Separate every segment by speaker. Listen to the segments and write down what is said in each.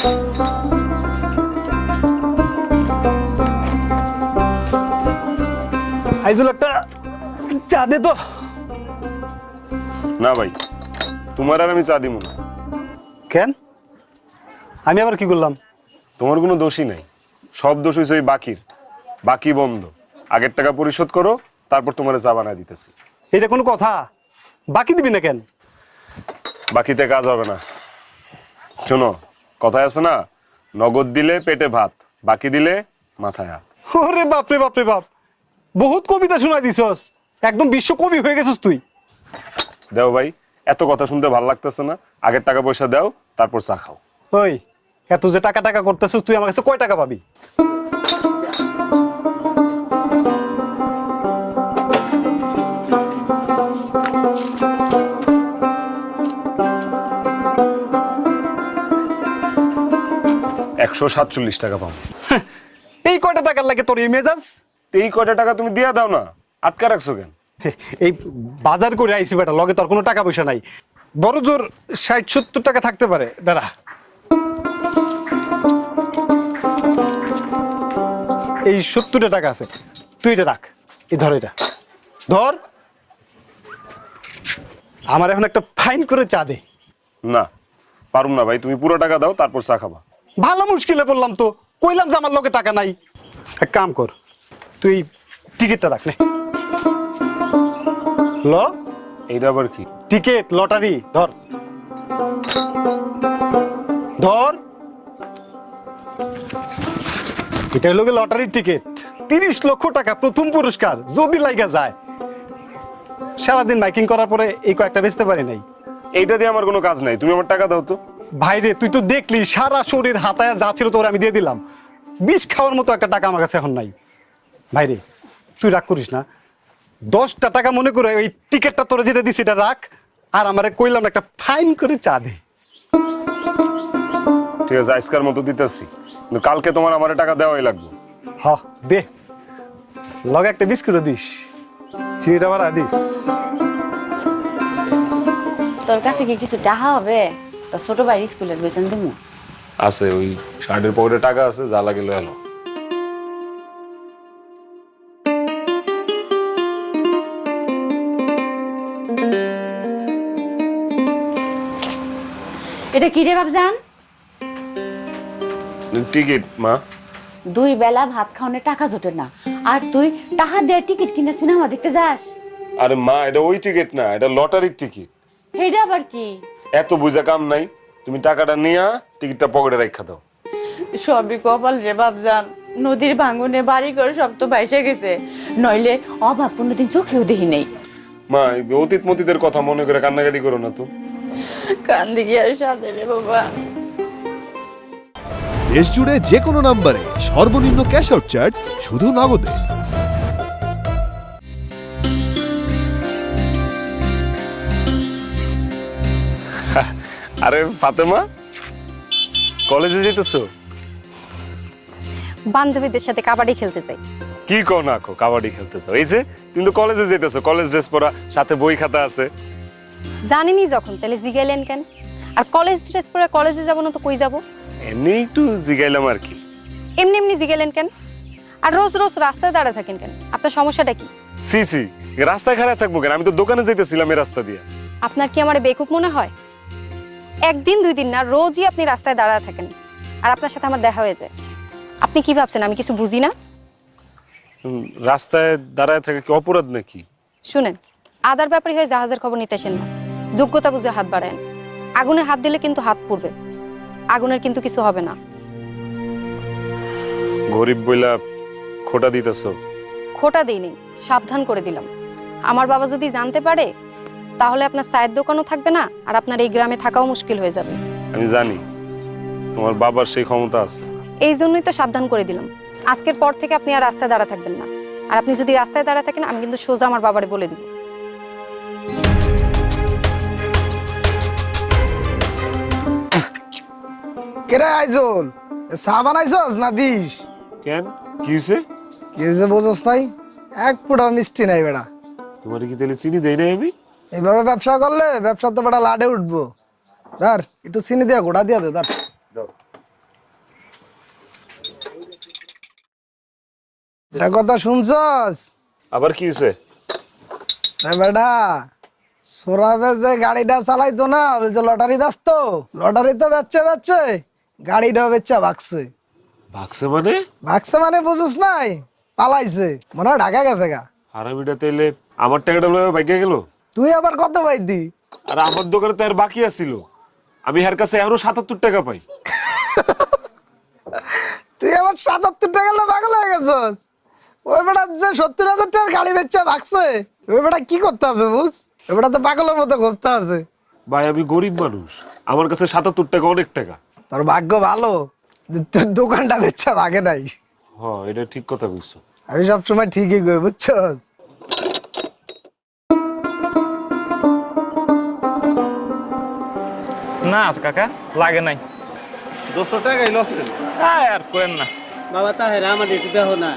Speaker 1: আইজুল একটা চা দে তো।
Speaker 2: না ভাই, তোমার আর আমি চা দিব না।
Speaker 1: কেন? আমি আবার কি করলাম?
Speaker 2: তোমার কোনো দোষই নাই, সব দোষ হয়েছে ওই বাকির। বাকি বন্ধ, আগের টাকা পরিশোধ করো, তারপর তোমার চা বানায় দিতেছি।
Speaker 1: এটা কোনো কথা? বাকি দিবি না কেন?
Speaker 2: বাকিতে কাজ হবে না। শোনো, কথায় আছে না, নগদ দিলে পেটে ভাত, বাকি দিলে মাথায় হাত।
Speaker 1: ওরে বাপরে বাপরে বাপ, বহুত কবিতা শোনাই দিছস, একদম বিশ্ব কবি হয়ে গেছিস তুই।
Speaker 2: দেও ভাই, এত কথা শুনতে ভালো লাগতেছে না। আগের টাকা পয়সা দাও, তারপর চা খাও।
Speaker 1: ওই এত যে টাকা টাকা করতেছিস, তুই আমার কাছে কয় টাকা পাবি?
Speaker 2: $147 টাকা পাবো।
Speaker 1: এই কয়টা টাকার লাগে তোর এই মেজাজ?
Speaker 2: এই কয়টা টাকা তুমি দিয়া দাও না, আটকা রাখছো কেন?
Speaker 1: এই বাজার করে আইসি বেটা, লগে তোর কোনো টাকা পয়সা নাই। বড় জোর 60-70 টাকা থাকতে পারে। দাঁড়া, এই 70 টাকা আছে, তুই এটা রাখ। এই ধর, এটা ধর। আমার এখন একটা ফাইন করে চা দে।
Speaker 2: না, পারুম না ভাই, তুমি পুরো টাকা দাও, তারপর চা খাবা।
Speaker 1: ভালো মুশকিলে পড়লাম তো, কইলাম যে আমার লগে টাকা নাই। এক কাম কর, তুই টিকিটটা রাখ নে। ল,
Speaker 2: এইটা আবার কি?
Speaker 1: টিকিট, লটারি, ধর ধর। এটা হলো লটারির টিকিট, 30 লক্ষ টাকা প্রথম পুরস্কার যদি লাইগা যায়। সারাদিন মাইকিং করার পরে এই কয়েকটা বেচতে পারি নাই।
Speaker 2: এইটা দিয়ে আমার কোনো কাজ নাই, তুমি আমার টাকা দাও তো।
Speaker 1: ভাইরে, তুই তো দেখলি সারা শরীর হাতায় যা ছিল তোর আমি দিয়ে দিলাম। বিষ খাওয়ার মতো একটা টাকা আমার কাছে এখন নাই। ভাইরে, তুই রাগ করিস না, 10টা টাকা মনে করে ওই টিকিটটা তোরা যেটা দিস এটা রাখ, আর আমারে কইলাম একটা ফাইন করে চা দে।
Speaker 2: ঠিক আছে, আজকের মতো দিতেছি, কিন্তু কালকে তোমার আমার টাকা দেওয়াই লাগবে।
Speaker 1: হ দে, লগে একটা বিস্কুটও দিস, চিনিটা বাড়া দিস।
Speaker 3: তোর কাছে কি কিছু টাকা হবে? তো ছোট ভাই স্কুলের বেতন দিমু।
Speaker 2: আছে, ওই শার্টের পকেটে টাকা আছে, যা লাগে লয়ে এলো।
Speaker 3: এটা কি রে বাপজান?
Speaker 2: টিকিট মা।
Speaker 3: 2 বেলা ভাত খাওয়ানোর টাকা জোটে না, আর তুই টাকা দিয়ে টিকিট কিনে সিনেমা দেখতে যাস?
Speaker 2: আরে মা, এটা ওই টিকিট না, এটা লটারির টিকিট।
Speaker 3: এটা আবার কি?
Speaker 2: এত বুঝা কাম নাই, তুমি টাকাটা নিয়া টিকিটটা পকেটে রাখা দাও।
Speaker 3: সবই কপাল রে বাপজান, নদীর ভাঙনে বাড়ি ঘর সব তো ভাইসে গেছে, নইলে অভাব কোনোদিন চোখেও দেখি নেই।
Speaker 2: মা, এই অতীত মতীতের কথা মনে করে কান্নাকাটি করো না তো।
Speaker 3: কান্দি গিয়ে আর সাথে রে বাবা।
Speaker 4: দেশ জুড়ে যে কোনো নম্বরে সর্বনিম্ন ক্যাশ আউট চার্জ শুধু নগদে।
Speaker 2: আরে ফাতেমা, কলেজে যেতেছো?
Speaker 5: বান্ধবীদের সাথে কাবাডি খেলতে চাই।
Speaker 2: কি কো না কো, কাবাডি খেলতেছো? এই যে তুমি তো কলেজে যেতেছো, কলেজ ড্রেস পরা, সাথে বই খাতা আছে।
Speaker 5: জানিনি যখন, তাহলে জিগাইলেন কেন? আর কলেজ ড্রেস পরে কলেজে যাবো না তো কই যাব?
Speaker 2: এমনি একটু জিগাইলাম আর কি।
Speaker 5: এমনি এমনি জিগাইলেন কেন? আর রোজ রোজ রাস্তায় দাঁড়ায় থাকেন কেন? আপনার সমস্যাটা কি?
Speaker 2: সি সি, রাস্তায় খারাপ থাকবো কেন? আমি তো দোকানে যেতেছিলাম এই রাস্তা দিয়ে।
Speaker 5: আপনার কি আমার বেকুব মনে হয়? একদিন 2 দিন না, রোজই আপনি রাস্তায় দাঁড়ায় থাকেন, আর আপনার সাথে আমার দেখা হয়ে যায়। আপনি কি ভাবছেন আমি কিছু বুঝি না?
Speaker 2: রাস্তায় দাঁড়ায় থাকে কি অপরাধ নাকি?
Speaker 5: শুনেন, আদার ব্যাপারে হয়ে জাহাজের খবর নিতে আসেন না, যোগ্যতা বুঝে হাত বাড়ায়েন। আগুনে হাত দিলে কিন্তু হাত পুড়বে, আগুনের কিন্তু কিছু হবে না।
Speaker 2: গরিব বইলা খোটা দিতেছো?
Speaker 5: খোটা দিইনি, সাবধান করে দিলাম। আমার বাবা যদি জানতে পারে, তাহলে আপনার চায়ের দোকানও থাকবে না, আর আপনার এই গ্রামে থাকাও মুশকিল হয়ে যাবে।
Speaker 2: আমি জানি তোমার বাবার সেই ক্ষমতা আছে।
Speaker 5: এই জন্যই তো সাবধান করে দিলাম, আজকের পর থেকে আপনি আর রাস্তায় দাঁড়া থাকবেন না। আর আপনি যদি রাস্তায় দাঁড়া থাকেন, আমি কিন্তু সোজা আমার বাবারে বলে দিব।
Speaker 6: কেরে আইজল, চা বানাইছস না বিষ?
Speaker 2: কেন, কি হয়েছে?
Speaker 6: কি হয়েছে বোঝস নাই? এক ফুটা মিষ্টি নাই বেড়া।
Speaker 2: তোমার কি তাহলে চিনি দেই নাই আমি?
Speaker 6: এইভাবে ব্যবসা করলে ব্যবসা তো বেড়া লাডে উঠবো। ধর একটু চিনি দিয়া গোড়া দিয়া দে, ধর।
Speaker 2: দাও।
Speaker 6: এটা কথা শুনছস?
Speaker 2: আবার কি হয়েছে?
Speaker 6: বেটা সোরাবে যে গাড়িটা চালাইতো না, ওই যে লটারি ব্যস্ত, লটারি তো বেচছে গাড়িটাও বেচা ভাগছে।
Speaker 2: ভাগছে মানে?
Speaker 6: ভাগছে মানে বুঝুস নাই, পালাইছে, মনে হয় ঢাকা গেছে গা।
Speaker 2: হারামিটা তাইলে আমার টাকাটা লয়ে ভাগিয়া গেল।
Speaker 6: তুই আবার কত পাইতি?
Speaker 2: আর আমার দোকানে তো আর বাকি আছিল, আমি এর কাছে এখনো 77 টাকা পাই।
Speaker 6: তুই আবার 77 টাকা পাগল হয়ে গেছস। ওই বেটা যে 70,000 টাকার গাড়ি বেচা ভাগছে, ওই বেটা কি করতে আছে বুঝ? ওই বেটা তো পাগলের মতো খুঁজতে আছে।
Speaker 2: ভাই আমি গরিব মানুষ, আমার কাছে 77 টাকা অনেক টাকা।
Speaker 6: তোর ভাগ্য ভালো যে তোর দোকানটা বেচা ভাগে নাই।
Speaker 2: হ্যাঁ এটা ঠিক কথা কইছো।
Speaker 6: আমি সবসময় ঠিকই কই, বুঝছস?
Speaker 7: না কাকা লাগে নাই।
Speaker 8: 200 টাকাই লস হলো
Speaker 7: আর কোয়েন না
Speaker 8: বাবা। তাহের আমার একটু দেখো না।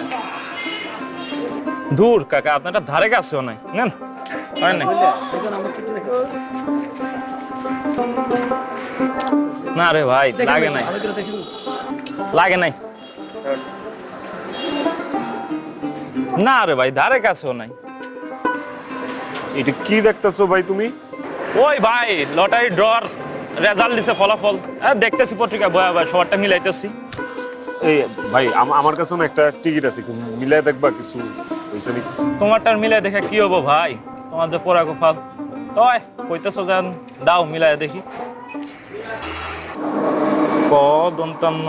Speaker 7: দূর কাকা, আপনারটা ধারে কাছেও নাই, নেন হয় নাই। না রে ভাই লাগে নাই, লাগে নাই। না রে ভাই ধারে কাছেও নাই।
Speaker 2: এটা কি দেখতেছো ভাই তুমি?
Speaker 7: ওই ভাই লটারি ড্রর রেজাল্ট দিছে, ফলাফল দেখতেছি পত্রিকা বয়া ভাই, সবারটা মিলাইতেছি।
Speaker 2: এই ভাই আমার কাছে না একটা টিকিট আছে, মিলাই দেখবা কিছু হইছে নাকি?
Speaker 7: তোমারটার মিলাই দেখে কি হবো ভাই, তোমার যে পোড়া গোপাল। তয় কইতেছো যেন দাও মিলাই দেখি। ক দন্তান্ন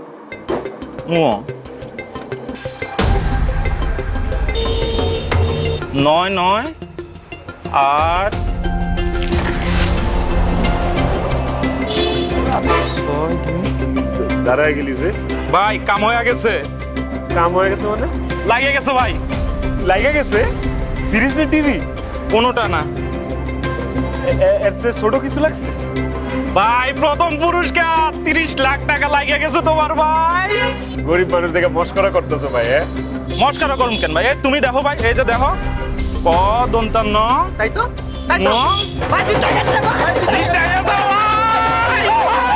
Speaker 7: নয় নয় আট
Speaker 2: দাঁড়ায় গেলি যে?
Speaker 7: ভাই কাম হয়ে গেছে।
Speaker 2: কাম হয়ে গেছে মানে?
Speaker 7: লাগিয়ে গেছে ভাই।
Speaker 2: লাগা গেছে? ফ্রিজ না টিভি?
Speaker 7: কোনোটা না
Speaker 2: এর চেয়ে ছোট কিছু লাগছে?
Speaker 7: ভাই, প্রথম পুরস্কার 30 লাখ টাকা লাগিয়ে গেছে তোমার ভাই।
Speaker 2: গরিব মানুষ দেখে মস্করা করতেছো ভাই।
Speaker 7: মস্কারা করুন কেন ভাই? তুমি দেখো ভাই, এই যে দেখো ক দন্তান্ন
Speaker 8: তাই তো
Speaker 7: ন দিতে গেছে ভাই।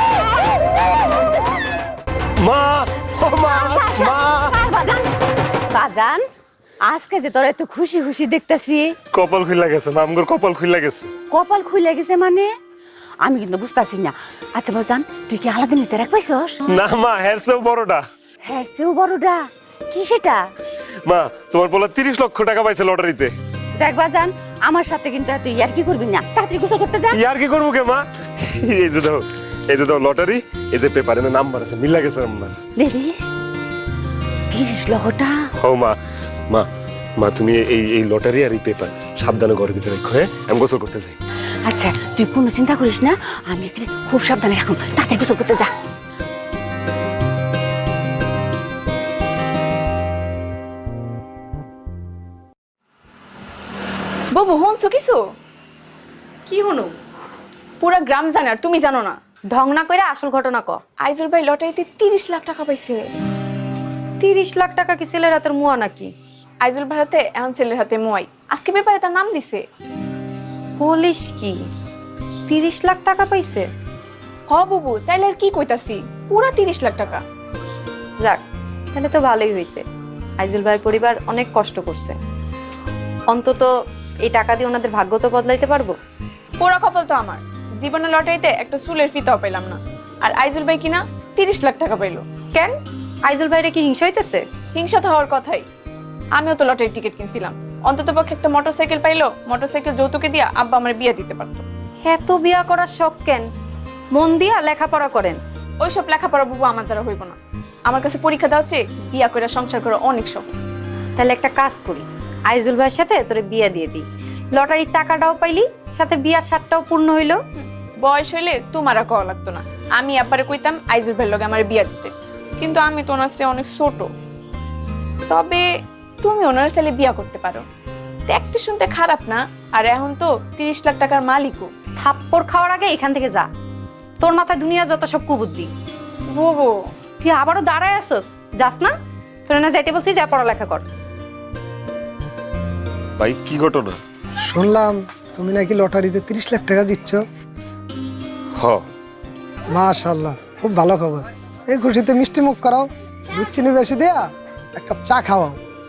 Speaker 2: মা ও মা মা
Speaker 3: বাজান, আজকে যে তোরা এত খুশি খুশি দেখতেছি,
Speaker 2: কপাল খুইলা গেছে, মামগর কপাল খুইলা গেছে।
Speaker 3: কপাল খুলে গেছে মানে? আমি কিন্তু বুঝতেছি না। আচ্ছা বাজান, তুই কি আলাদা নিচে রাখ পাইছস?
Speaker 2: না মা, হের চেয়েও বড়টা।
Speaker 3: হ্যাঁ, সেও বড়টা। কি সেটা?
Speaker 2: মা তোমার বলা 30 লক্ষ টাকা পাইছে লটারিতে।
Speaker 3: দেখ বাজান, আমার সাথে কিন্তু তুই আর কি করবি না, তাড়াতাড়ি গোসল করতে যা।
Speaker 2: ইয়ার কি করবো কে মা? এই যে দাও, এই যে দাও লটারি, এই যে পেপারে নাম্বার আছে, মিলা গেছে আমার।
Speaker 3: দেখি 30 লক্ষটা।
Speaker 2: ও মা মা মা তুমি এই লটারি আর এই পেপার সাবধানে ঘরের ভিতরে রাখো। হ্যাঁ আমি গোসল করতে যাই।
Speaker 3: আচ্ছা তুই কোনো চিন্তা করিস না, আমি এখানে খুব সাবধানে রাখুন, তাড়াতাড়ি গোসল করতে যা।
Speaker 9: বাবু শুনছো কিছু?
Speaker 5: কি হনু?
Speaker 9: পুরা গ্রাম জানে আর তুমি জানো না।
Speaker 5: ঢং না কইরা আসল ঘটনা ক।
Speaker 9: আইজুল ভাই লটারিতে 30 লাখ টাকা পাইছে।
Speaker 5: 30 লাখ টাকা কি ছেলের হাতের মুয়া নাকি?
Speaker 9: আইজুল ভাই হাতে এখন ছেলের হাতে মোয়াই, আজকে পেপারে তার নাম দিছে।
Speaker 5: বলিস কি? 30 লাখ টাকা পাইছে?
Speaker 9: হ বাবু, তাইলে আর কি কইতাছি, পুরা 30 লাখ টাকা।
Speaker 5: যাক, তাহলে তো ভালোই হয়েছে। আইজুল ভাইয়ের পরিবার অনেক কষ্ট করছে, অন্তত এই টাকা দিয়ে ওনাদের ভাগ্য তো বদলাইতে পারবো।
Speaker 9: পুরা কপাল তো আমার, জীবনে লটারিতে একটা চুলের ফিতাও পেলাম না, আর আইজুল ভাই কিনা 30 লাখ টাকা পাইলো।
Speaker 5: কেন? আইজুল ভাইরে কি হিংসা হইতেছে?
Speaker 9: হিংসা তো হওয়ার কথাই, আমিও তো লটারির টিকিট কিনছিলাম, অন্তত পক্ষে একটা মোটরসাইকেল পাইলো, মোটরসাইকেল যৌতুকে দিয়া আব্বা আমার বিয়ে দিতে পারতো।
Speaker 5: এত বিয়া করার শখ কেন? মন দিয়া লেখাপড়া করেন।
Speaker 9: ওইসব লেখাপড়া বাবু আমার দ্বারা হইব না, আমার কাছে পরীক্ষা দেওয়া হচ্ছে বিয়া করে সংসার করা অনেক সহজ।
Speaker 5: তাহলে একটা কাজ করি, আইজুল ভাইয়ের সাথে তোরে বিয়া দিয়ে দিই, লটারির টাকাটাও পাইলি, সাথে বিয়ার স্বাদটাও পূর্ণ হইলো।
Speaker 9: বয়স হইলে তোমার আর কওয়া লাগতো না, আমি আব্বারে কইতাম আইজুল ভাইয়ের লগে আমার বিয়া দিতে, কিন্তু আমি তো ওনার চেয়ে অনেক ছোট। তবে তুমি ওনার ছেলে বিয়া করতে পারো, দেখতে শুনতে খারাপ না, আর এখন তো 30 লাখ টাকার মালিকও।
Speaker 5: থাপ্পড় খাওয়ার আগে এখান থেকে যা, তোর মাথায় দুনিয়া যত সব কুবুদ্ধি।
Speaker 9: বাবু
Speaker 5: তুই আবারও দাঁড়ায় আসস, যাস না? তোর না যাইতে বলছি, যা পড়ালেখা কর।
Speaker 2: ভাই কি ঘটনা?
Speaker 6: শুনলাম তুমি নাকি লটারিতে 30 লাখ টাকা দিচ্ছ।
Speaker 2: হ।
Speaker 6: মাশাআল্লাহ, খুব ভালো খবর। এই খুশিতে মিষ্টি মুখ করাও, দুধ চিনি বেশি দেয়া এক কাপ চা খাওয়াও,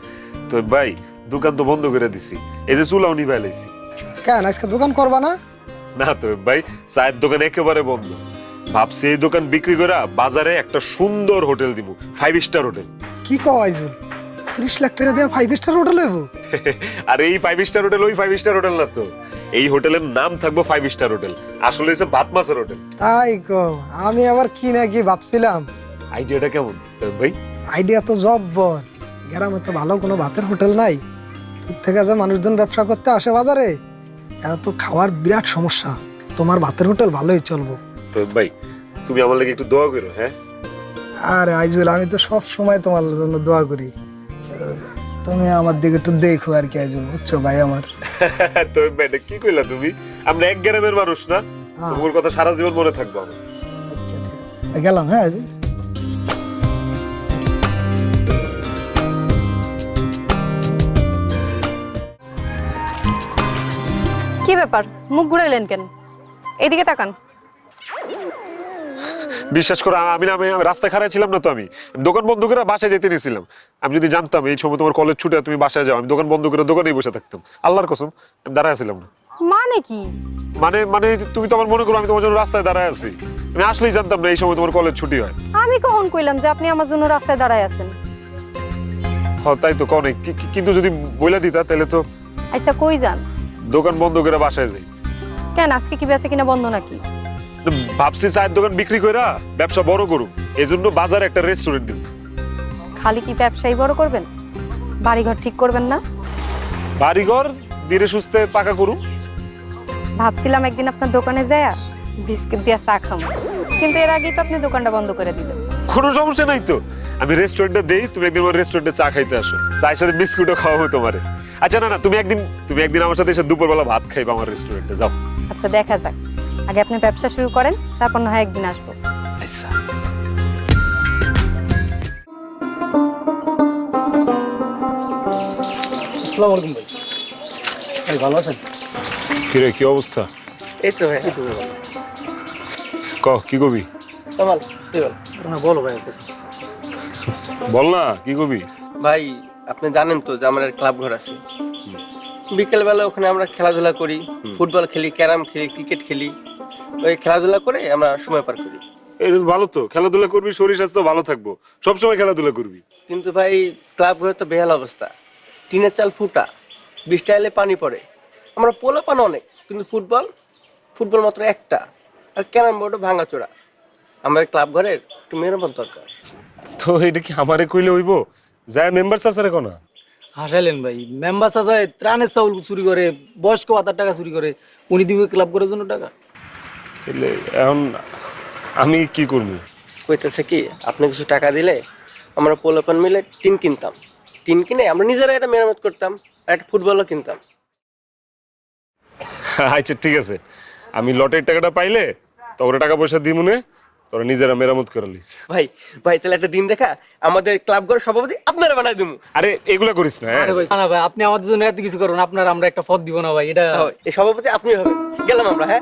Speaker 2: তো ভাই দোকান তো বন্ধ করে দিছি, এই যে চুলাও নিভাই লাইছি।
Speaker 6: কেন আজকে দোকান করবা না?
Speaker 2: না তো ভাই, চায়ের দোকান একেবারে বন্ধ। ভাবছি এই দোকান বিক্রি করে বাজারে একটা সুন্দর হোটেল দিব, 5 স্টার হোটেল।
Speaker 6: কি কও আইজুল, 30 লাখ টাকা দিয়ে 5 স্টার হোটেল হইব?
Speaker 2: আর এই 5 স্টার হোটেল ওই 5 স্টার হোটেল না তো, এই হোটেলের নাম থাকবো 5 স্টার হোটেল, আসলে হচ্ছে ভাত মাছের হোটেল।
Speaker 6: তাই কও, আমি আবার কি না কি ভাবছিলাম।
Speaker 2: আইডিয়াটা কেমন ভাই?
Speaker 6: আইডিয়া তো জব্বর। গ্রামে তো ভালো কোনো ভাতের হোটেল নাই, দূর থেকে যে মানুষজন ব্যবসা করতে আসে বাজারে, এত খাওয়ার বিরাট সমস্যা। তোমার ভাতের হোটেল ভালোই চলবো।
Speaker 2: তো ভাই তুমি আমার লাগি একটু দোয়া করো। হ্যাঁ
Speaker 6: আর আইজুল, আমি তো সব সময় তোমার জন্য দোয়া করি, তুমি আমার দিকে একটু দেখো আর কি আইজুল, বুঝছো ভাই আমার।
Speaker 2: তো ভাই এটা কি কইলা তুমি? আমরা এক গ্রামের মানুষ না, তোমার কথা সারা জীবন মনে থাকবো আমার।
Speaker 6: আচ্ছা ঠিক আছে, গেলাম। হ্যাঁ আইজুল।
Speaker 5: কি ব্যাপার, মুখ ঘুরাইলেন কেন? এইদিকে তাকান।
Speaker 2: বিশ্বাস করো, আমি রাস্তায় খাড়াই ছিলাম না তো, আমি দোকান বন্ধ করে বাসায় যেতে নিয়েছিলাম। আমি যদি জানতাম এই সময় তোমার কলেজ ছুটে তুমি বাসায় যাও, আমি দোকান বন্ধ করে দোকানেই বসে থাকতাম। আল্লাহর কসম আমি দাঁড়ায় ছিলাম না।
Speaker 5: মানে কি?
Speaker 2: মানে মানে তুমি তো আমার মনে করো আমি তোমার জন্য রাস্তায় দাঁড়ায় আছি। আমি আসলেই জানতাম না এই সময় তোমার কলেজ ছুটি হয়।
Speaker 5: আমি কখন কইলাম যে আপনি আমার জন্য রাস্তায় দাঁড়ায় আছেন?
Speaker 2: হ্যাঁ তাই তো কনে, কিন্তু যদি বইলা দিতা তাহলে তো।
Speaker 5: আচ্ছা কই যান?
Speaker 2: দোকান বন্ধ করে বাসায় যাই।
Speaker 5: কেন, আজকে কি বেচে কিনা বন্ধ নাকি?
Speaker 2: ভাবছি চায়ের দোকান বিক্রি কইরা ব্যবসা বড় করুম, এই জন্য বাজারে একটা রেস্টুরেন্ট দিব।
Speaker 5: খালি কি ব্যবসায়ী বড় করবেন, বাড়িঘর ঠিক করবেন না?
Speaker 2: বাড়িঘর ধীরে সুস্থে পাকা করুম।
Speaker 5: ভাবছিলাম একদিন আপনার দোকানে যায়া বিস্কিট দিয়া চা খাবো, কিন্তু এর আগেই তো আপনি দোকানটা বন্ধ করে দিলেন।
Speaker 2: কোনো সমস্যা নাই তো, আমি রেস্টুরেন্টে দেই, তুমি একদিন আমার রেস্টুরেন্টে চা খাইতে আসো, চায়ের সাথে বিস্কুটও খাওয়াবো তোমারে। আচ্ছা না না, তুমি একদিন আমার সাথে এসে দুপুরবেলা ভাত খাইবা আমার রেস্টুরেন্টে, যাও।
Speaker 5: আচ্ছা দেখা যাক, আগে আপনি ব্যবসা শুরু করেন, তারপর না হয় একদিন আসবো।
Speaker 2: আচ্ছা
Speaker 10: আসসালামু আলাইকুম ভাই। ভাই ভালো আছেন?
Speaker 2: কিরে কি অবস্থা?
Speaker 10: এই তো ভাই,
Speaker 2: ক কি কবি?
Speaker 10: কামাল কি বল? না বলো ভাই কাছে।
Speaker 2: বল না কি কবি?
Speaker 10: ভাই আপনি জানেন তো যে আমার ক্লাব ঘর আছে, বিকেল বেলা ওখানে আমরা খেলাধুলা করি, ফুটবল খেলি, ক্যারাম খেলি, ক্রিকেট খেলি। ওই খেলাধুলা করে আমরা সময় পার করি।
Speaker 2: এই ভালো তো, খেলাধুলা করবি, শরীর স্বাস্থ্য ভালো থাকবো, সবসময় খেলাধুলা করবি।
Speaker 10: কিন্তু ভাই ক্লাব ঘরে তো বেহাল অবস্থা, টিনের চাল ফুটা, বৃষ্টি এলে পানি পড়ে। আমরা পোলাপান অনেক, কিন্তু ফুটবল মাত্র একটা, আর ক্যারাম বোর্ডও ভাঙাচোরা। আমার ক্লাব ঘরের একটু মেরামত দরকার।
Speaker 2: তো এটা কি আমারে কইলে হইব? যায় মেম্বার সাসারে কোনা
Speaker 11: হাসাইলেন ভাই, মেম্বার চাচায় ত্রাণের চাউল চুরি করে, বয়স্ক ভাতার টাকা চুরি করে, উনি দিবে ক্লাব করার জন্য টাকা।
Speaker 2: তাহলে এখন আমি কি করবো?
Speaker 10: কইতেছে কি, আপনি কিছু টাকা দিলে আমরা পোলাপান মিলে টিন কিনতাম, টিন কিনে আমরা নিজেরা এটা মেরামত করতাম, আর একটা ফুটবলও কিনতাম।
Speaker 2: আচ্ছা ঠিক আছে, আমি লটের টাকাটা পাইলে তোরা টাকা পয়সা দিই মনে, তোরা নিজেরা মেরামত করে লিস।
Speaker 10: ভাই তাহলে একটা দিন দেখা আমাদের ক্লাব ঘর সভাপতি আপনারা বানাই দেবো।
Speaker 2: আরে এগুলা করিস না।
Speaker 11: আরে ভাই না ভাই, আপনি আমাদের জন্য এত কিছু করুন, আপনার আমরা একটা পদ দিব না ভাই, এটা
Speaker 10: এই সভাপতি আপনি হবেন। গেলাম আমরা। হ্যাঁ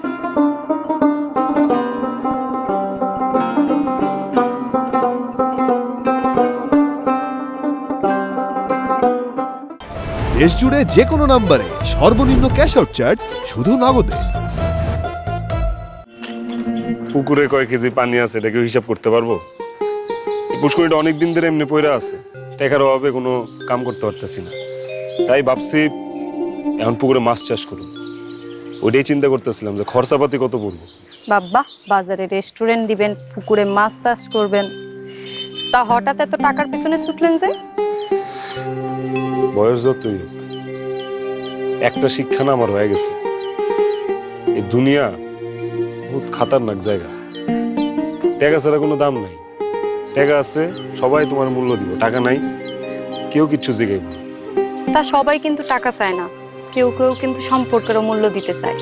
Speaker 4: দেশ জুড়ে যে কোনো নম্বরে সর্বনিম্ন ক্যাশ আউট চার্জ শুধু নগদে।
Speaker 2: পুকুরে কয় কেজি পানি আছে এটা কেউ হিসাব করতে পারবো? এই পুষ্করিটা অনেকদিন ধরে এমনি পয়রা আছে, টাকার অভাবে কোনো কাম করতে পারতেছি না। তাই ভাবছি এখন পুকুরে মাছ চাষ করুন। ওইটাই চিন্তা করতেছিলাম যে খরচাপাতি কত পড়বো।
Speaker 5: বাবা, বাজারে রেস্টুরেন্ট দিবেন, পুকুরে মাছ চাষ করবেন, তা হঠাৎ এত টাকার পিছনে ছুটলেন যে?
Speaker 2: বয়স যতই হোক, একটা শিক্ষা না আমার হয়ে গেছে, এই দুনিয়া বহুত খাতারনাক জায়গা। টাকা ছাড়া কোনো দাম নাই, টাকা আছে সবাই তোমার মূল্য দিব, টাকা নাই কেউ কিচ্ছু জিগাইব।
Speaker 5: তা সবাই কিন্তু টাকা চায় না, কেউ কেউ কিন্তু সম্পর্কেরও মূল্য দিতে চায়।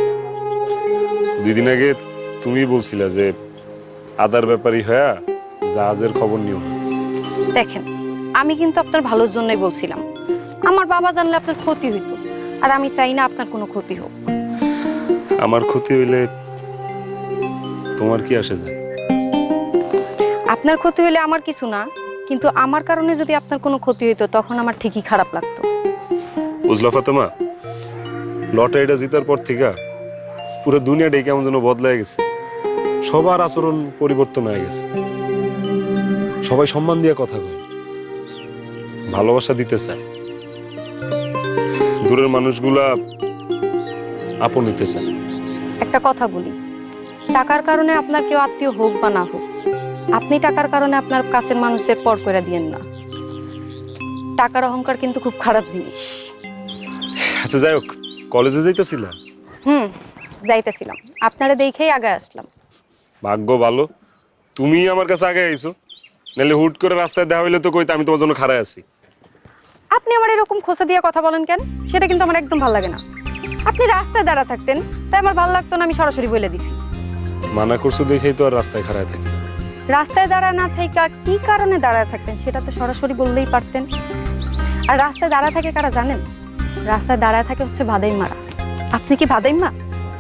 Speaker 2: 2 দিন আগে তুমি বলছিলা যে আদার ব্যাপারী হয়ে জাহাজের খবর নিও।
Speaker 5: দেখেন, আমি কিন্তু আপনার ভালোর জন্যই বলছিলাম। আমার বাবা জানলে আপনার ক্ষতি হইতো, আর আমি চাই না আপনার কোনো ক্ষতি হোক।
Speaker 2: আমার ক্ষতি হইলে তোমার কি আসে যায়?
Speaker 5: আপনার ক্ষতি হইলে আমার কিছু না, কিন্তু আমার কারণে যদি আপনার কোনো ক্ষতি হইতো তখন আমার ঠিকই খারাপ লাগতো।
Speaker 2: বুঝলা ফাতেমা, লটারিটা জিতার পর থেকে পুরো দুনিয়াটাই কেমন যেন বদলায় গেছে। সবার আচরণ পরিবর্তন হয়ে গেছে। সবাই সম্মান দিয়ে কথা কয়, ভালোবাসা দিতে চায়, দূরের মানুষগুলা আপন নিতে চায়।
Speaker 5: একটা কথা বলি, টাকার কারণে আপনার কেউ আত্মীয় হোক বা না হোক, আপনি টাকার কারণে আপনার কাছের মানুষদের পর করে দিয়েন না। টাকার অহংকার কিন্তু খুব খারাপ জিনিস।
Speaker 2: আচ্ছা যাই হোক, কলেজে যাইতেছিলা?
Speaker 5: যাইতেছিলাম, আপনারা দেখেই আগে আসলাম।
Speaker 2: ভাগ্য ভালো তুমি আমার কাছে আগে আইছো, নাহলে হুট করে রাস্তায় দেখা হইলে তো কইতে আমি তোমার জন্য খাড়ায় আছি।
Speaker 5: আপনি আমার এরকম খোঁচা দিয়ে কথা বলেন কেন? সেটা কিন্তু আমার একদম ভালো লাগে না। আপনি রাস্তায় দাঁড়া থাকতেন, তাই আমার ভালো লাগতো না, আমি সরাসরি বলে দিছি।
Speaker 2: মানা করছো দেখেই তো আর রাস্তায় খাড়ায় থাকি।
Speaker 5: রাস্তায় দাঁড়া না থেকে কি কারণে দাঁড়ায় থাকতেন সেটা তো সরাসরি বললেই পারতেন। আর রাস্তায় দাঁড়া থাকে কারা জানেন? রাস্তায় দাঁড়ায় থাকে হচ্ছে বাদাইম্মারা। আপনি কি বাদাইম্মা?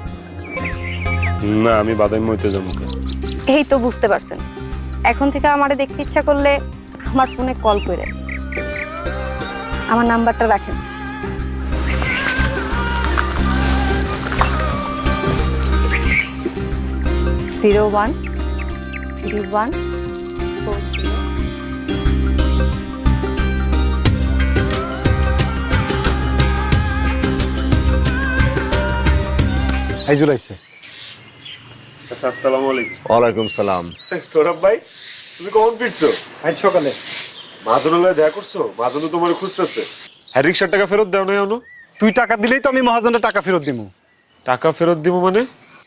Speaker 2: না, আমি বাদাম হইতে যাবো।
Speaker 5: এই তো বুঝতে পারছেন। এখন থেকে আমারে দেখতে ইচ্ছা করলে আমার ফোনে কল করে, আমার নাম্বারটা রাখেন। জিরো 1 3 1 4 0।
Speaker 1: আইজুল আইছে।
Speaker 2: আচ্ছা, আসসালামু আলাইকুম।
Speaker 12: ওয়ালাইকুম সালাম।
Speaker 2: সৌরভ ভাই, তুমি কখন ফিরছো?
Speaker 1: আজ সকালে।
Speaker 2: মাহাজনের দেখা করছো? মাহাজন তো তোমার খুঁজতেছে। হ্যাঁ, রিক্সার টাকা ফেরত দাও না এখনো?
Speaker 1: তুই টাকা দিলেই তো আমি মহাজনের টাকা ফেরত দিব।
Speaker 2: টাকা ফেরত দিব মানে?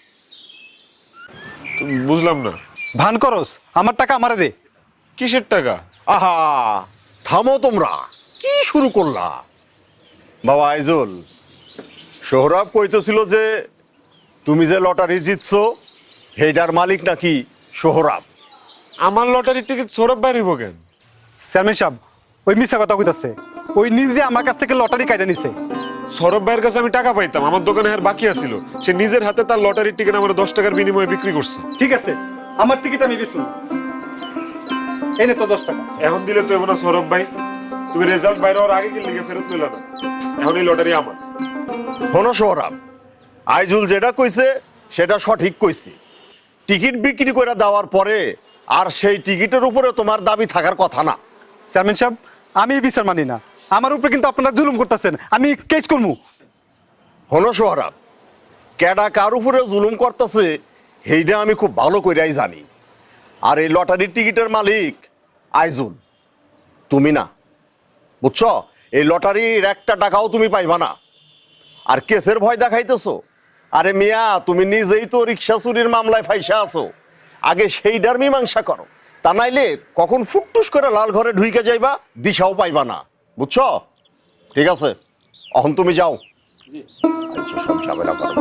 Speaker 2: বুঝলাম না।
Speaker 1: ভান করস, আমার টাকা আমারে দে।
Speaker 2: কিসের টাকা?
Speaker 12: আহা, থামো তোমরা, কি শুরু করলা? বাবা আইজুল, সোহরাব কইতেছিল যে তুমি যে লটারি জিতছো সেইটার মালিক নাকি সোহরাব।
Speaker 2: আমার লটারির টিকিট সৌরভ ভাই নিব কেন?
Speaker 1: চেয়ারম্যান সাহেব, ওই মিথ্যা কথা কইতাছে। ওই নিজে আমার কাছ থেকে লটারি কাইটা নিছে।
Speaker 2: সৌরভ ভাইয়ের কাছে আমি টাকা পাইতাম, আমার দোকানে আর বাকি আছিল। সে নিজের হাতে তার লটারির টিকিট আমার 10 টাকার বিনিময়ে বিক্রি করছে।
Speaker 1: ঠিক আছে, আমার টিকিট আমি বেচুন। এই নে তো 10 টাকা।
Speaker 2: এখন দিলে তো এমন না সৌরভ ভাই, তুমি রেজাল্ট বাইরে হওয়ার আগে কি লিখে ফেরত পেলা না? এখন এই লটারি আমার।
Speaker 12: শোনো সোহরাব, আইজুল যেটা কইছে সেটা সঠিক কইছে। টিকিট বিক্রি করে দেওয়ার পরে আর সেই টিকিটের উপরে তোমার দাবি থাকার কথা না।
Speaker 1: চেয়ারম্যান সাহেব, আমি এই বিচার মানি না। আমার উপরে কিন্তু আপনারা জুলুম করতেছেন, আমি কেস করবো।
Speaker 12: শোনো সোহরাব, কেডা কার উপরে জুলুম করতেছে সেইটা আমি খুব ভালো কইরাই জানি। আর এই লটারির টিকিটের মালিক আইজুল, তুমি না। বুঝছো, এই লটারির একটা টাকাও তুমি পাইবা না। আর কেসের ভয় দেখাইতেছো? আরে মিয়া, তুমি নিজেই তো রিক্সা চুরির মামলায় ফাইসা আছো। আগে সেইটার মীমাংসা করো, তা নাইলে কখন ফুটটুস করে লাল ঘরে ঢুইকে যাইবা দিশাও পাইবা না। বুঝছো? ঠিক আছে, এখন তুমি যাও। আচ্ছা, সব ঝামেলা করবা।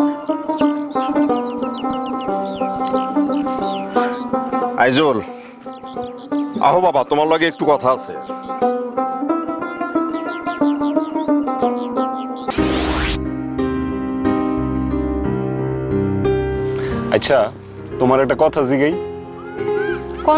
Speaker 12: আইজুল, আহো বাবা, তোমার লগে একটু কথা আছে।
Speaker 2: আচ্ছা, তোমার একটা কথা জিগাই।
Speaker 5: কোন?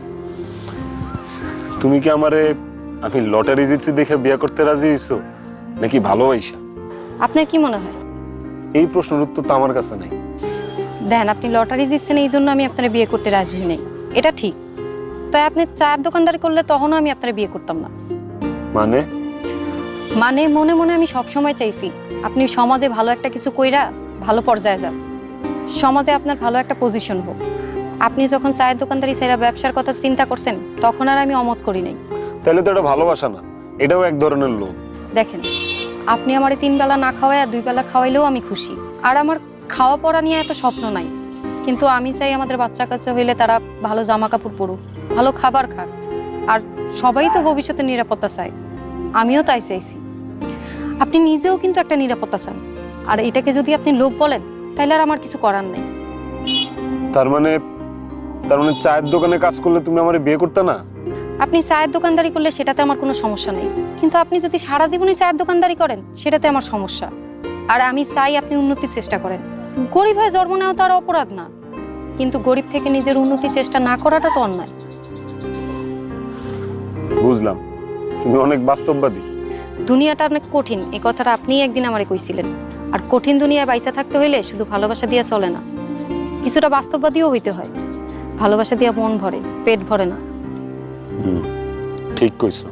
Speaker 2: তুমি কি আমারে আমি লটারি জিতছি দেখে বিয়ে করতে রাজি হইছো নাকি ভালোবাসা?
Speaker 5: আপনার কি মনে হয়?
Speaker 2: এই প্রশ্নের উত্তর তো আমার কাছে নাই।
Speaker 5: দেখেন, আপনি লটারি জিতছেন এই জন্য আমি আপনার বিয়ে করতে রাজি হই নাই, এটা ঠিক। তাই আপনি চায়ের দোকানদারি করলে তখনও আমি আপনার বিয়ে করতাম না।
Speaker 2: মানে?
Speaker 5: মানে মনে মনে আমি সবসময় চাইছি আপনি সমাজে ভালো একটা কিছু কইরা ভালো পর্যায়ে যান, সমাজে আপনার ভালো একটা পজিশন হোক। আপনি যখন চায়ের দোকানদারি সেরা ব্যবসার কথা চিন্তা করছেন তখন আর আমি অমত করি নাই।
Speaker 2: তাহলে তো এটা ভালোবাসা না, এটাও এক ধরনের লোভ।
Speaker 5: দেখেন, আপনি আমারে 3 বেলা না খাওয়াই আর 2 বেলা খাওয়াইলেও আমি খুশি। আর আমার খাওয়া পড়া নিয়ে এত স্বপ্ন নাই, কিন্তু আমি চাই আমাদের বাচ্চা কাচ্চা হইলে তারা ভালো জামা কাপড় পরুক, ভালো খাবার খাক। আর সবাই তো ভবিষ্যতে নিরাপত্তা চায়, আমিও তাই চাইছি। আপনি নিজেও কিন্তু একটা নিরাপত্তা চান, আর এটাকে যদি আপনি লোভ বলেন তাহলে আর আমার কিছু করার নেই।
Speaker 2: তার মানে চায়ের দোকানে কাজ করলে তুমি আমারে বিয়ে করতে না?
Speaker 5: আপনি চায়ের দোকানদারি করলে সেটাতে আমার কোনো সমস্যা নেই, কিন্তু আপনি যদি সারা জীবনই চায়ের দোকানদারি করেন সেটাতে আমার সমস্যা। আর আমি চাই আপনি উন্নতির চেষ্টা করেন। গরিব হয়ে জন্ম নেওয়া তো আর অপরাধ না, কিন্তু গরিব থেকে নিজের উন্নতির চেষ্টা না করাটা তো অন্যায়।
Speaker 2: বুঝলাম, তুমি অনেক বাস্তববাদী।
Speaker 5: দুনিয়াটা অনেক কঠিন, এই কথাটা আপনিই একদিন আমারে কইছিলেন। আর কঠিন দুনিয়ায় বাইচা থাকতে হইলে শুধু ভালোবাসা দিয়া চলে না, কিছুটা বাস্তববাদীও হইতে হয়। ভালোবাসা দিয়া মন ভরে, পেট ভরে না।
Speaker 2: ঠিক কইছো।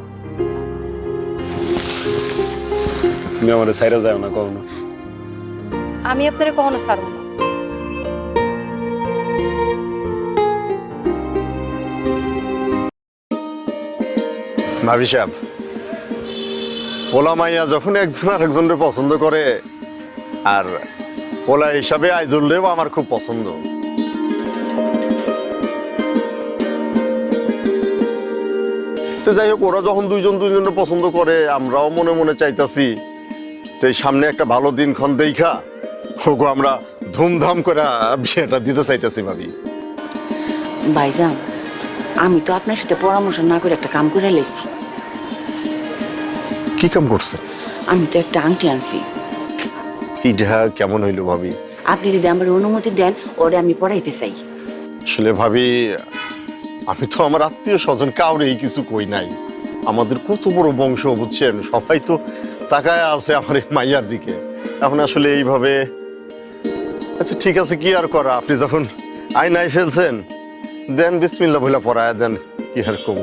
Speaker 2: তুমি আমাদের সাইরা যাও না কখনো।
Speaker 5: আমি আপনারে কখনো ছাড়ব না।
Speaker 12: ভাবি সাহেব, পোলা মাইয়া যখন একজন আর একজনের পছন্দ করে, আর পোলা হিসাবে আইজুলরেও আমার খুব পছন্দ। তো যাই হোক, ওরা যখন দুইজনের পছন্দ করে, আমরাও মনে মনে চাইতাছি তো এই সামনে একটা ভালো দিনক্ষণ দেখা ওগো আমরা ধুমধাম করে বিয়েটা দিতে চাইতেছি ভাবি।
Speaker 3: ভাইজান, আমি তো আপনার সাথে পরামর্শ না করে একটা কাম করে লেছি।
Speaker 12: কি কাম করছে?
Speaker 3: আমি তো একটা আংটি আনছি।
Speaker 12: এটা কেমন হইলো ভাবি?
Speaker 3: আপনি যদি আমার অনুমতি দেন, ওরে আমি পড়াইতে চাই।
Speaker 12: আসলে ভাবি, আমি তো আমার আত্মীয় স্বজন কাউরেই কিছু কই নাই। আমাদের কত বড় বংশ বুঝছেন, সবাই তো তাকায় আছে আমার এই মাইয়ার দিকে। এখন আসলে এইভাবে, আচ্ছা ঠিক আছে, কি আর করা, আপনি যখন আইনাই ফেলছেন, দেন বিসমিল্লাহ বলে পড়ায় দেন, কি আর কমু।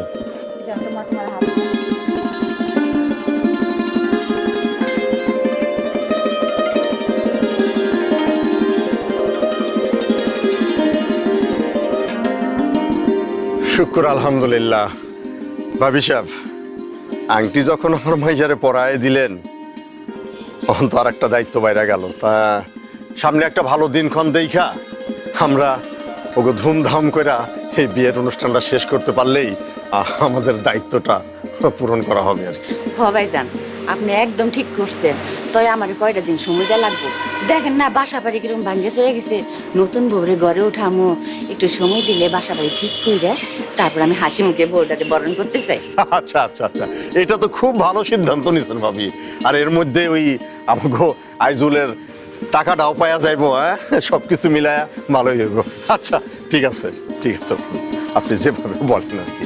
Speaker 12: শুক্র আলহামদুলিল্লাহ। ভাবি সাহেব, আংটি যখন আমার মাইজারে পরায় দিলেন, তখন তো আর একটা দায়িত্ব বাইরে গেল। তা সামনে একটা ভালো দিনক্ষণ দেখা আমরা ওকে ধুমধাম করে এই বিয়ের অনুষ্ঠানটা শেষ করতে পারলেই আমাদের দায়িত্বটা পূরণ করা হবে আর কি।
Speaker 3: ভাইজান, আপনি একদম ঠিক করছেন। তাই আমার কয়টা দিন সময় দেওয়া লাগবো। দেখেন না, বাসা বাড়ি কিরকম ভাঙ্গে চলে গেছে। নতুন বউরে ঘরে উঠামো, একটু সময় দিলে বাসা বাড়ি ঠিক করে তারপর আমি হাসি মুখে বউটাকে বরণ করতে চাই।
Speaker 12: আচ্ছা আচ্ছা আচ্ছা, এটা তো খুব ভালো সিদ্ধান্ত নিয়েছেন ভাবি। আর এর মধ্যে ওই আমাকে আইজুলের টাকাটাও পাওয়া যাইব, হ্যাঁ, সবকিছু মিলায়া ভালোই হইব। আচ্ছা ঠিক আছে, ঠিক আছে, আপনি যেভাবে বলেন আর কি।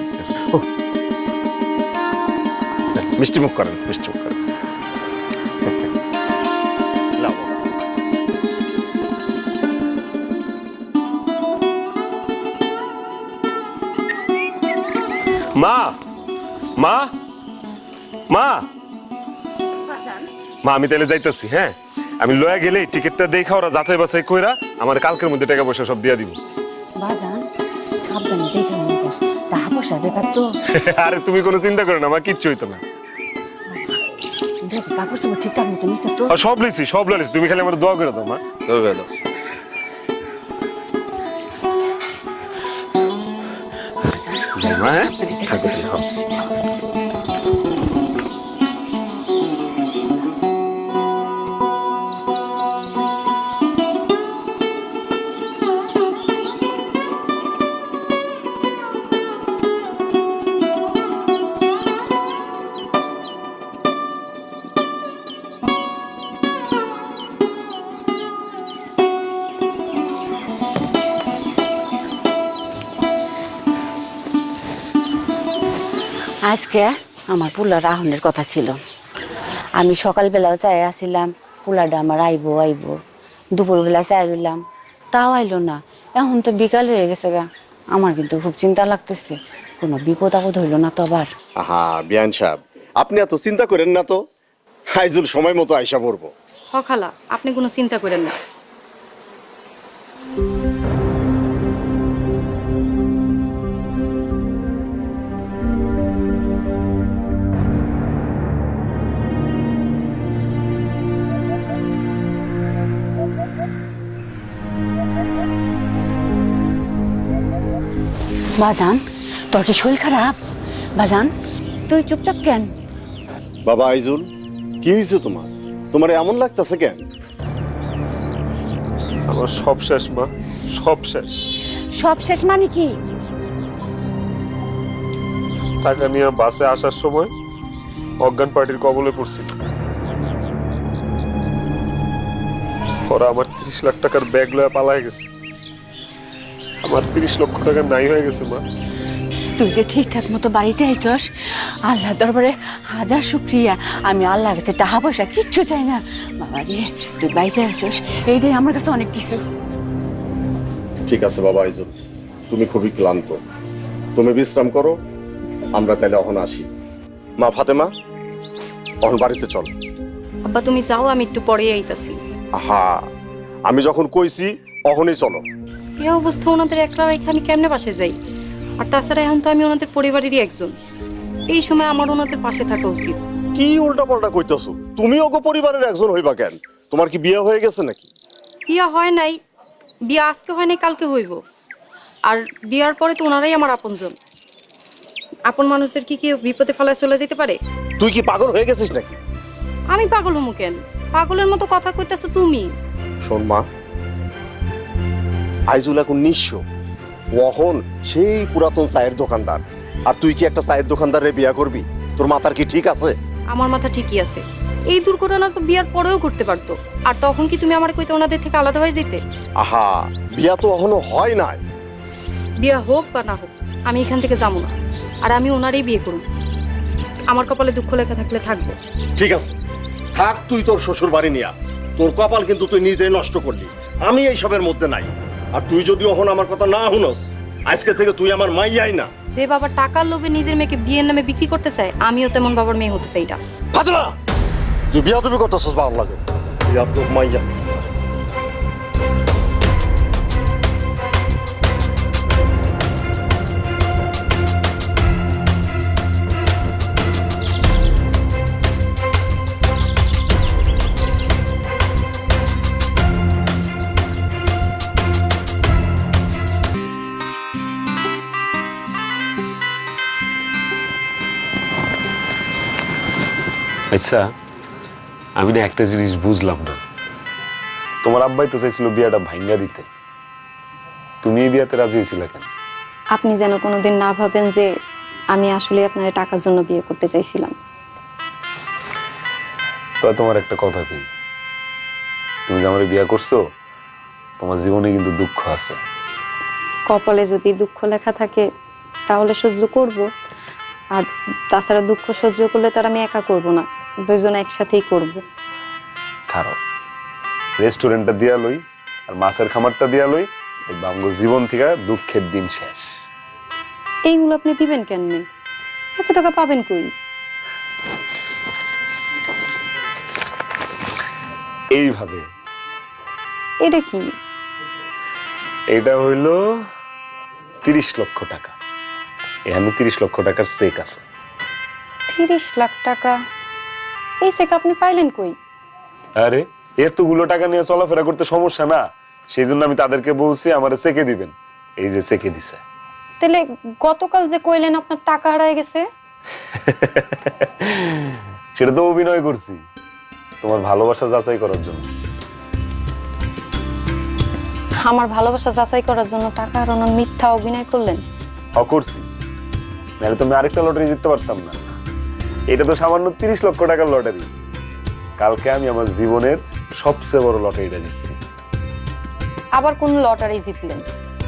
Speaker 12: মিষ্টি মুখ করেন, মিষ্টি মুখ করেন।
Speaker 2: মা মা মা মা, আমি তাহলে যাইতেছি। হ্যাঁ, আমি লয়া গেলে টিকিটটা দেখা ওরা যাচাই বাছাই কইরা আমার কালকের মধ্যে টাকা পয়সা সব দিয়া দিব।
Speaker 3: বাজান, সাবধানে দেখে মনে যাস, টাকা পয়সার ব্যাপার তো।
Speaker 2: আরে তুমি কোনো চিন্তা করো না, আমার কিচ্ছু হইতো না।
Speaker 3: কাপড় চোপড় ঠিকঠাক মতো নিচ্ছে তো?
Speaker 2: সব লিছি, সব লিছি, তুমি খালি আমার দোয়া করে দাও মা।
Speaker 3: আজকে আমার পোলার আহনের কথা ছিল। আমি সকালবেলাও চাই আসছিলাম, পোলাটা আমার আইবো আইবো। দুপুরবেলা চাই রইলাম, তাও আইলো না। এখন তো বিকাল হয়ে গেছে গা। আমার কিন্তু খুব চিন্তা লাগতেছে, কোনো বিপদ আপদ হইলো না তো আবার।
Speaker 12: হ্যাঁ বিয়ান সাহেব, আপনি এত চিন্তা করেন না তো, আইজুল সময় মতো আইসা পড়বো।
Speaker 5: হ খালা, আপনি কোনো চিন্তা করেন না।
Speaker 3: বাজান, তোর কি শরীর খারাপ? বাজান, তুই চুপচাপ কেন?
Speaker 12: বাবা আইজুল, কি হয়েছে তোমার? তোমার এমন লাগতেছে কেন?
Speaker 2: আমার সব শেষ মা, সব শেষ।
Speaker 3: সব শেষ মানে কি?
Speaker 2: টাকা নিয়ে বাসে আসার সময় অজ্ঞান পার্টির কবলে পড়ছি। ওরা আমার 30 লাখ টাকার ব্যাগ লয়ে পালায় গেছে। আমার 30 লক্ষ টাকা নাই হয়ে গেছে মা।
Speaker 3: তুই যে ঠিকঠাক মতো বাড়িতে আইছস আল্লাহ দরবারে হাজার শুক্রিয়া। আমি আল্লাহ কাছে টাকা পয়সা কিচ্ছু চাই না বাবা রে, তুই বাইসে আইছস এইটাই আমার কাছে অনেক কিছু।
Speaker 12: ঠিক আছে বাবা আইজুল, তুমি খুবই ক্লান্ত, তুমি বিশ্রাম করো, আমরা তাহলে অহন আসি। মা ফাতেমা, অহন বাড়িতে চল।
Speaker 5: আব্বা তুমি যাও, আমি একটু পরেই আইতাছি।
Speaker 12: আহা, আমি যখন কইছি অহনই চলো।
Speaker 5: এই অবস্থা ওনাদের একলা রেখে আমি কেমনে পাশে যাই? আর তাছাড়া এখন তো আমি ওনাদের পরিবারেরই একজন। এই সময় আমার ওনাদের পাশে থাকা উচিত।
Speaker 12: কি উল্টা পাল্টা কইতেছো? তুমি ওগো পরিবারের একজন হইবা কেন? তোমার কি বিয়ে হয়ে গেছে নাকি?
Speaker 5: বিয়া হয় নাই, বিয়া আজকে হয় নাই, কালকে হইব। আর বিয়ার পরে তো ওনারাই আমার আপনজন। আপন মানুষদের কি কেউ বিপদে ফেলায় চলে যেতে পারে?
Speaker 12: তুই কি পাগল হয়ে গেছিস নাকি?
Speaker 5: আমি পাগল হমু কেন? পাগলের মতো কথা কইতাছো তুমি।
Speaker 12: শোন মা, আইজুল এখন নিঃস্ব, ওহন সেই পুরাতন চায়ের দোকানদার, আর তুই কি একটা চায়ের দোকানদারে বিয়া করবি? তোর মাথার কি ঠিক আছে?
Speaker 5: আমার মাথা ঠিকই আছে। এই দুর্ঘটনা তো বিয়ার পরেও ঘটতে পারতো। আর তখন কি তুমি আমার কইতে ওনাদের থেকে আলাদা হয়ে যেতে?
Speaker 12: আহা, বিয়া তো এখনো হয় নাই।
Speaker 5: বিয়া হোক বা না হোক, আমি এখান থেকে যাবো না। আর আমি ওনারই বিয়ে করব। আমার কপালে দুঃখ লেখা থাকলে থাকবো।
Speaker 12: ঠিক আছে, থাক তুই তোর শ্বশুর বাড়ি নিয়া। তোর কপাল কিন্তু তুই নিজেই নষ্ট করলি, আমি এইসবের মধ্যে নাই। আর তুই যদি এখন আমার কথা না শুনস, আজকে থেকে তুই আমার মাইয়াই না।
Speaker 5: যে বাবা টাকার লোভে নিজের মেয়েকে বিয়ের নামে বিক্রি করতে চায়, আমিও তেমন বাবার মেয়ে হতে চাই না।
Speaker 12: ফাতেমা, তুই বিয়া তুমি করতেছস ভালো লাগে। বিয়া তো মাইয়া।
Speaker 2: আচ্ছা, আমি না একটা জিনিস বুঝলাম না। তোমার আব্বাই তো চাইছিল বিয়াটা ভাঙ্গা দিতে, তুমি এই বিয়াতে রাজি হয়েছিলে কেন?
Speaker 5: আপনি যেন কোনোদিন না ভাবেন যে আমি আসলে আপনার টাকার জন্য বিয়ে করতে চাইছিলাম।
Speaker 2: তো তোমার একটা কথা কি, তুমি যে আমার বিয়ে করছো, তোমার জীবনে কিন্তু দুঃখ আছে।
Speaker 5: কপালে যদি দুঃখ লেখা থাকে তাহলে সহ্য করব। আর তাছাড়া দুঃখ সহ্য করলে তো আর আমি একা করব না, দুইজনে একসাথেই করব।
Speaker 2: খারাপ রেস্টুরেন্টটা দিয়া লই আর মাছের খামারটা দিয়া লই, এই বাঙ্গো জীবন থেকে দুঃখের দিন শেষ।
Speaker 5: এইগুলো আপনি দিবেন কেননি? এত টাকা পাবেন কই?
Speaker 2: এইভাবে।
Speaker 5: এটা কি?
Speaker 2: এটা হইল 30 লক্ষ টাকা। এখানে 30 লক্ষ টাকার চেক আছে।
Speaker 5: 30 লাখ টাকা? এই চেক আপনি পাইলেন কই?
Speaker 2: আরে এতগুলো টাকা নিয়ে চলাফেরা করতে সমস্যা না, সেই জন্য আমি তাদেরকে বলছি আমারে চেকে দিবেন। এই যে চেকে দিছে।
Speaker 5: তাহলে গতকাল যে কইলেন আপনার টাকা হারায় গেছে?
Speaker 2: সেটা তো অভিনয় করছি তোমার ভালোবাসা যাচাই করার জন্য।
Speaker 5: আমার ভালোবাসা যাচাই করার জন্য টাকা হারানোর মিথ্যা অভিনয় করলেন?
Speaker 2: করছি, নাহলে তো আমি আরেকটা লটারি জিততে পারতাম না। এটা তো সামান্য 30 লক্ষ টাকার লটারি। কালকে আমি আমার জীবনের সবচেয়ে বড় লটারিটা জিতছি।
Speaker 5: আবার কোন লটারি জিতলেন?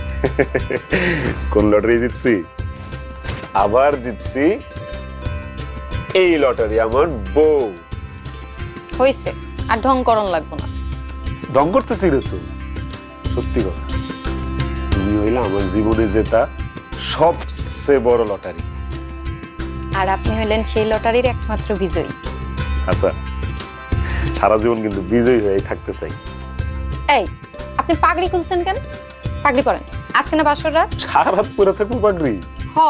Speaker 2: কোন লটারি জিতছি? আবার জিতছি এই লটারি, আমার বউ।
Speaker 5: হইছে, আর ঢং করন লাগবো না।
Speaker 2: ঢং করতেছি রে তো, সত্যি কথা। তুমি হইলে আমার জীবনে জেতা সবচেয়ে বড় লটারি।
Speaker 5: আর আপনি হইলেন সেই লটারির একমাত্র বিজয়ী।
Speaker 2: আচ্ছা, সারা জীবন কিন্তু বিজয়ী হয়ে থাকতে চাই।
Speaker 5: এই, আপনি পাগড়ি খুলছেন কেন? পাগড়ি পরেন, আজকে না বাসর রাত।
Speaker 2: সারা রাত পরে থাকবো পাগড়ি?
Speaker 5: হ,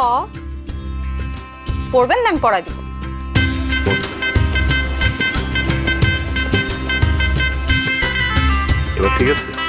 Speaker 5: পড়বেন না, আমি পড়াই দিব।
Speaker 2: এবার ঠিক আছে?